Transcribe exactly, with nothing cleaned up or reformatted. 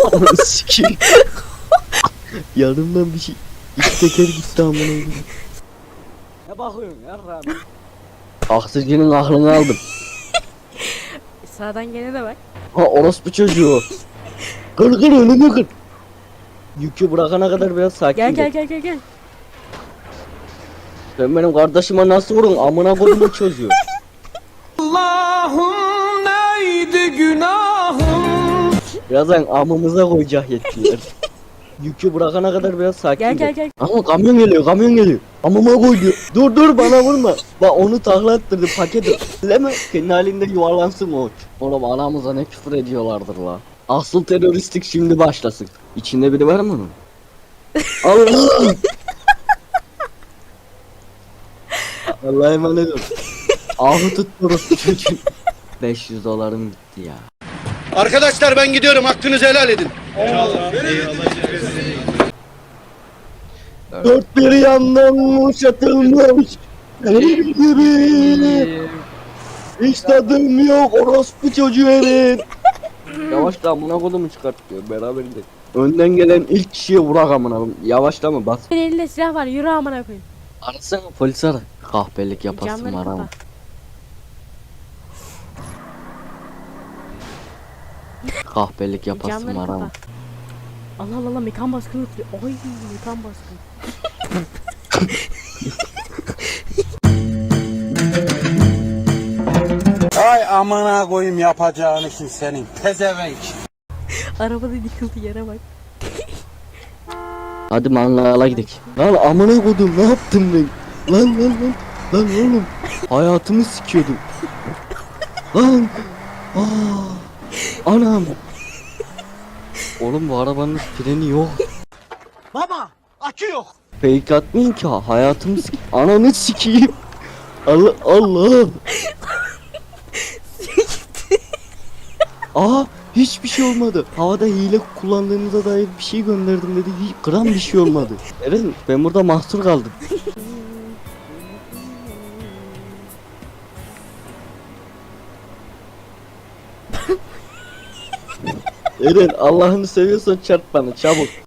Onu sikeyim. Yanımdan bir şey. İki teker gitti amına koyayım. Ne bakıyorsun yarram? Taksicinin aklını aldım. Sağdan gene de bak. Ha orospu çocuğu. Kır kır önünü kır. Yükü bırakana kadar biraz sakin Gel ol. gel gel gel gel. Sen benim kardeşime nasıl vurun amına koyduğumu çocuğu. Allah'ım neydi günahım? Birazdan amımıza koyacak yetkiler. Yükü bırakana kadar biraz sakin Gel ol. gel gel. Ama kamyon geliyor kamyon geliyor. Amıma koydu. Dur dur bana vurma. Bak onu takla attırdı paketi. Leme kendi halinde yuvarlansın o. Oğlum anamıza ne küfür ediyorlardır la. Asıl teröristlik şimdi başlasın. İçinde biri var mı onun? Allah! Allah'a emanet ol. Ahı tutturuz çocuğum. beş yüz dolarım gitti ya. Arkadaşlar ben gidiyorum. Hakkınızı helal edin. Dört bir yandan kuşatılmış benim gibi. Hiç tadım yok orospu çocuğu herif. Yavaşla amına kodumu çıkartıyor beraber de. Önden gelen ilk kişiye vurak amına koyayım. Yavaşlama bas. Senin elinde silah var, yürü amına koyayım. Arasana polis ara. Kahpelik yapasın Camları var ama. kapa. Kahpelik yapasın Camları var ama. kapa. Allah Allah Allah, mekan baskını yapıyor. Oy mekan baskını. Ay amına koyayım yapacağın işin senin pezevenk. Arabada yıkıldı yere bak. Hadi mangala gidelim. Lan amına kodum ne yaptım ben? Lan lan lan. Lan oğlum. Hayatımı sikiyordum. Lan. Aa. Anam. Oğlum bu arabanın freni yok. Baba akü yok. Fake atmayın ki ha, hayatımı sik... Ananı sikeyim. Allah Allah. Aa hiçbir şey olmadı. Havada hile kullandığınıza dair bir şey gönderdim dedi. Hiç gram bir şey olmadı. Evet ben burada mahsur kaldım. Eren Allah'ını seviyorsan çarp bana çabuk.